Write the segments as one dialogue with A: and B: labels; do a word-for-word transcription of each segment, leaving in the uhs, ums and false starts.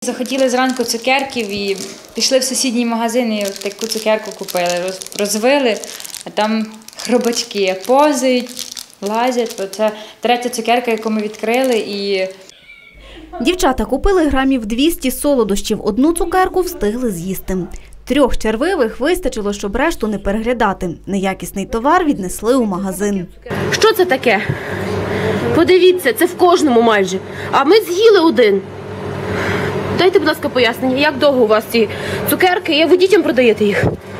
A: Захотіли зранку цукерків і пішли в сусідній магазин і таку цукерку купили, розвили, а там хробачки позують, лазять. Це третя цукерка, яку ми відкрили. І...
B: Дівчата купили грамів двісті солодощів, одну цукерку встигли з'їсти. Трьох червивих вистачило, щоб решту не переглядати. Неякісний товар віднесли у магазин.
C: Що це таке? Подивіться, це в кожному майже. А ми з'їли один. Дайте, будь ласка, пояснення, як довго у вас ці цукерки, як ви дітям продаєте їх?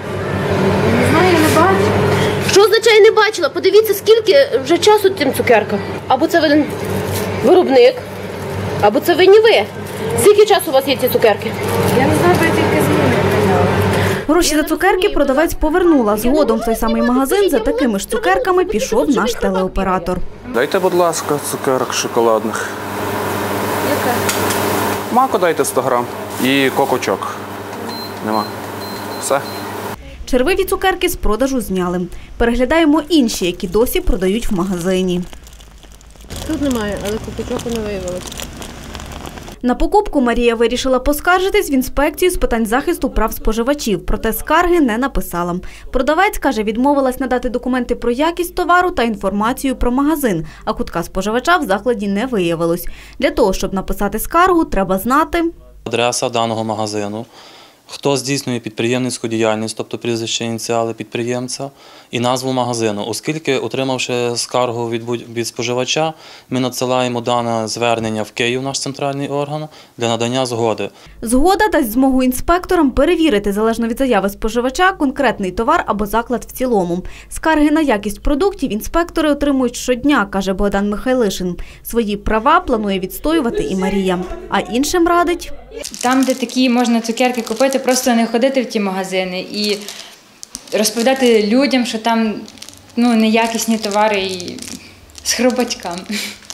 A: Не знаю, я не бачу.
C: Що означає не бачила? Подивіться, скільки вже часу цим цукеркам. Або це один виробник, або це винні ви. Скільки часу у вас є ці цукерки?
A: Я не знаю, бо я тільки зміни прийняла.
B: Гроші за цукерки продавець повернула. Згодом в той самий магазин за такими ж цукерками пішов наш телеоператор.
D: Дайте, будь ласка, цукерок шоколадних.
A: Яка?
D: Маку дайте сто грам. І кокочок. Нема. Все.
B: Червиві цукерки з продажу зняли. Переглядаємо інші, які досі продають в магазині.
C: Тут немає, але кокочоку не виявилось.
B: На покупку Марія вирішила поскаржитись в інспекцію з питань захисту прав споживачів, проте скарги не написала. Продавець, каже, відмовилась надати документи про якість товару та інформацію про магазин, а кутка споживача в закладі не виявилось. Для того, щоб написати скаргу, треба знати
E: адреса даного магазину, хто здійснює підприємницьку діяльність, тобто прізвище, ініціали підприємця, і назву магазину. Оскільки, отримавши скаргу від, від споживача, ми надсилаємо дане звернення в Київ, наш центральний орган, для надання згоди.
B: Згода дасть змогу інспекторам перевірити, залежно від заяви споживача, конкретний товар або заклад в цілому. Скарги на якість продуктів інспектори отримують щодня, каже Богдан Михайлишин. Свої права планує відстоювати і Марія. А іншим радить...
A: Там, де такі можна цукерки купити, просто не ходити в ті магазини і розповідати людям, що там ну, неякісні товари і з хробачками.